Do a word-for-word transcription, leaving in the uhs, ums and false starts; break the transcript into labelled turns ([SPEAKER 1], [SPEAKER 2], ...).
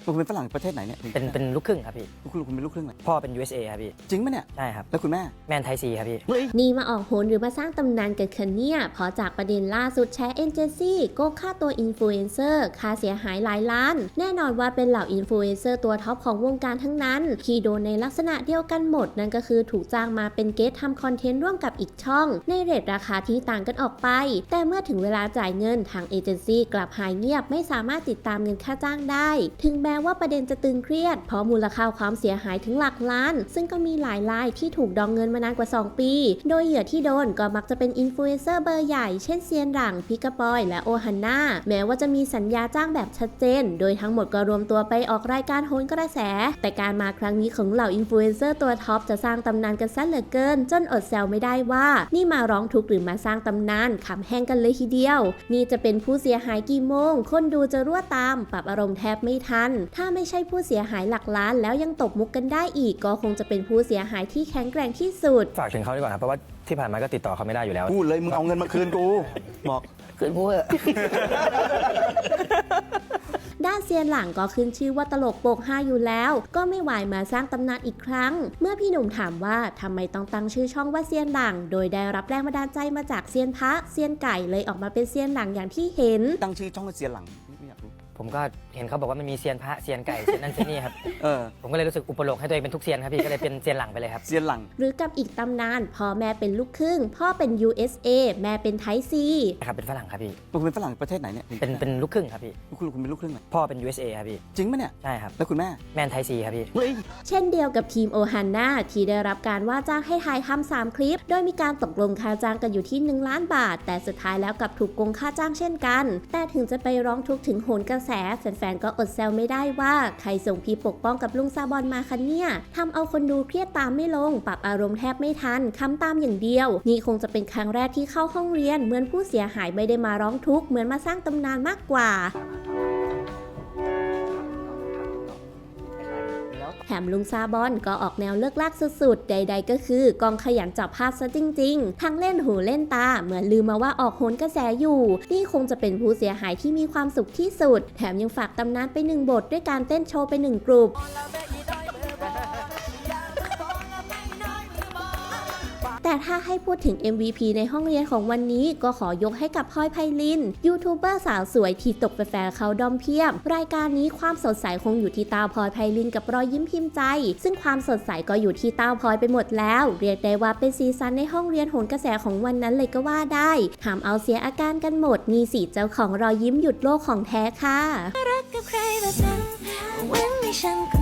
[SPEAKER 1] คุณเป็นฝรั่งประเทศไหนเนี่ย
[SPEAKER 2] เป็นเป็นลูกครึ่งครับพี่
[SPEAKER 1] คุณคุณเป็นลูกครึ่งไหน
[SPEAKER 2] พ่อเป็น ยู เอส เอ ครับพี่
[SPEAKER 1] จริงไหมเนี่ย
[SPEAKER 2] ใช่ครับ
[SPEAKER 1] แล้วคุณแม่
[SPEAKER 2] แมนไทยซีครับพี่
[SPEAKER 3] นี่มาออกโหนหรือมาสร้างตำนานกันคะเนี่ยพอจากประเด็นล่าสุดแชร์เอเจนซี่โกงค่าตัวอินฟลูเอนเซอร์ค่าเสียหายหลายล้านแน่นอนว่าเป็นเหล่าอินฟลูเอนเซอร์ตัวท็อปของวงการทั้งนั้นที่โดนในลักษณะเดียวกันหมดนั่นก็คือถูกจ้างมาเป็นเกสทำคอนเทนต์ร่วมกับอีกช่องในเรทราคาที่ต่างกันออกไปแต่เมื่อถึงเวลาจ่ายเงินทางเอเจนซี่กลับหายเงียบไม่สามารถติดตามเงินค่าจ้างได้ถึงแม้ว่าประเด็นจะตึงเครียดเพราะมูลค่าความเสียหายถึงหลักล้านซึ่งก็มีหลายรายที่ถูกดองเงินมานานกว่าสองปีโดยเหยื่อที่โดนก็มักจะเป็นอินฟลูเอนเซอร์เบอร์ใหญ่เช่นเซียนหลังพิกาปอยและโอฮันนาแม้ว่าจะมีสัญญาจ้างแบบชัดเจนโดยทั้งหมดก็รวมตัวไปออกรายการโหนกระแสแต่การมาครั้งนี้ของเหล่าอินฟลูเอนเซอร์ตัวท็อปจะสร้างตำนานกันซะเหลือเกินจนอดแซวไม่ได้ว่านี่มาร้องทุกข์หรือมาสร้างตำนานขำแห้งกันเลยทีเดียวนี่จะเป็นผู้เสียหายกี่โมงคนดูจะรั่วตามปรับอารมณ์แทบไม่ทันถ้าไม่ใช่ผู้เสียหายหลักล้านแล้วยังตบมุกกันได้อีกก็คงจะเป็นผู้เสียหายที่แข็งแกร่งที่สุด
[SPEAKER 2] ฝากถึงเขาดีกว่าครับเพราะว่าที่ผ่านมาก็ติดต่อเขาไม่ได้อยู่แล้ว
[SPEAKER 1] พูดเลยมึงเอาเงินมาคืนกูบอก
[SPEAKER 2] คืนพูด
[SPEAKER 3] ด้านเซียนหลังก็ขึ้นชื่อว่าตลกโปกฮาอยู่แล้วก็ไม่ไหวมาสร้างตำนานอีกครั้งเมื่อพี่หนุ่มถามว่าทำไมต้องตั้งชื่อช่องว่าเซียนหลังโดยได้รับแรงบันดาลใจมาจากเซียนพระเซียนไก่เลยออกมาเป็นเซียนหลังอย่างที่เห็น
[SPEAKER 1] ตั้งชื่อช่องว่าเซียนหลังไม่อยากรู้
[SPEAKER 2] ผมก็เห็นเขาบอกว่ามันมีเซียนพระเซียนไก่เซียนนั่นเซียนนี่ครับเออผมก็เลยรู้สึกอุปโลกให้ตัวเองเป็นทุกเซียนครับพี่ก็เลยเป็นเซียนหลังไปเลยครับ
[SPEAKER 1] เซียนหลัง
[SPEAKER 3] หรือกับอีกตำนานพ่อแม่เป็นลูกครึ่งพ่อเป็น ยู เอส เอ แม่เป็นไทยซี
[SPEAKER 2] ครับเป็นฝรั่งครับพี่
[SPEAKER 1] คุณเป็นฝรั่งประเทศไหนเนี่ย
[SPEAKER 2] เป็นเป็นลูกครึ่งครับพี่
[SPEAKER 1] คุณคุณเป็นลูกครึ่งไหน
[SPEAKER 2] พ่อเป็น ยู เอส เอ ครับพี่
[SPEAKER 1] จริงไหมเนี่ย
[SPEAKER 2] ใช่ครับ
[SPEAKER 1] แล้วคุณแม่
[SPEAKER 2] แมนไทยซีครับพี่
[SPEAKER 3] เช่นเดียวกับทีมโอฮันนาที่ได้รับการว่าจ้างให้ถ่ายทำสามคลิปโดยมีการตกลงค่าจ้างกันอยู่ที่หนึ่งล้านบาทแต่สุดท้ายแล้วกลับถูกโกงค่าจ้างเช่นกันแต่ถึงจะไปร้องทุกข์ถึงโหนกระแสแฟนๆก็อดแซวไม่ได้ว่าใครส่งพี่ปกป้องกับลุงซาบอนมาคะเนี่ยทำเอาคนดูเครียดตามไม่ลงปรับอารมณ์แทบไม่ทันคำตามอย่างเดียวนี่คงจะเป็นครั้งแรกที่เข้าห้องเรียนเหมือนผู้เสียหายไม่ได้มาร้องทุกข์เหมือนมาสร้างตำนานมากกว่าแถมลุงซาบอนก็ออกแนวเลิกลากสุดๆใดๆก็คือกองขยันจับภาพซะจริงๆทั้งเล่นหูเล่นตาเหมือนลืมมาว่าออกโหนกระแสอยู่นี่คงจะเป็นผู้เสียหายที่มีความสุขที่สุดแถมยังฝากตำนานไปหนึ่งบทด้วยการเต้นโชว์ไปหนึ่งกลุ่มแต่ถ้าให้พูดถึง เอ็ม วี พี ในห้องเรียนของวันนี้ก็ขอยกให้กับพลอยไพลินยูทูบเบอร์สาวสวยที่ตกแฟนๆเขาดอมเพียบรายการนี้ความสดใสคงอยู่ที่ตาพลอยไพลินกับรอยยิ้มพิมพ์ใจซึ่งความสดใสก็อยู่ที่ตาพลอยไปหมดแล้วเรียกได้ว่าเป็นซีซั่นในห้องเรียนโหนกระแสของวันนั้นเลยก็ว่าได้ทำเอาเสียอาการกันหมดนี่สิเจ้าของรอยยิ้มหยุดโลกของแท้ค่ะรักกับใครแบบนั้นวันนี้ฉัน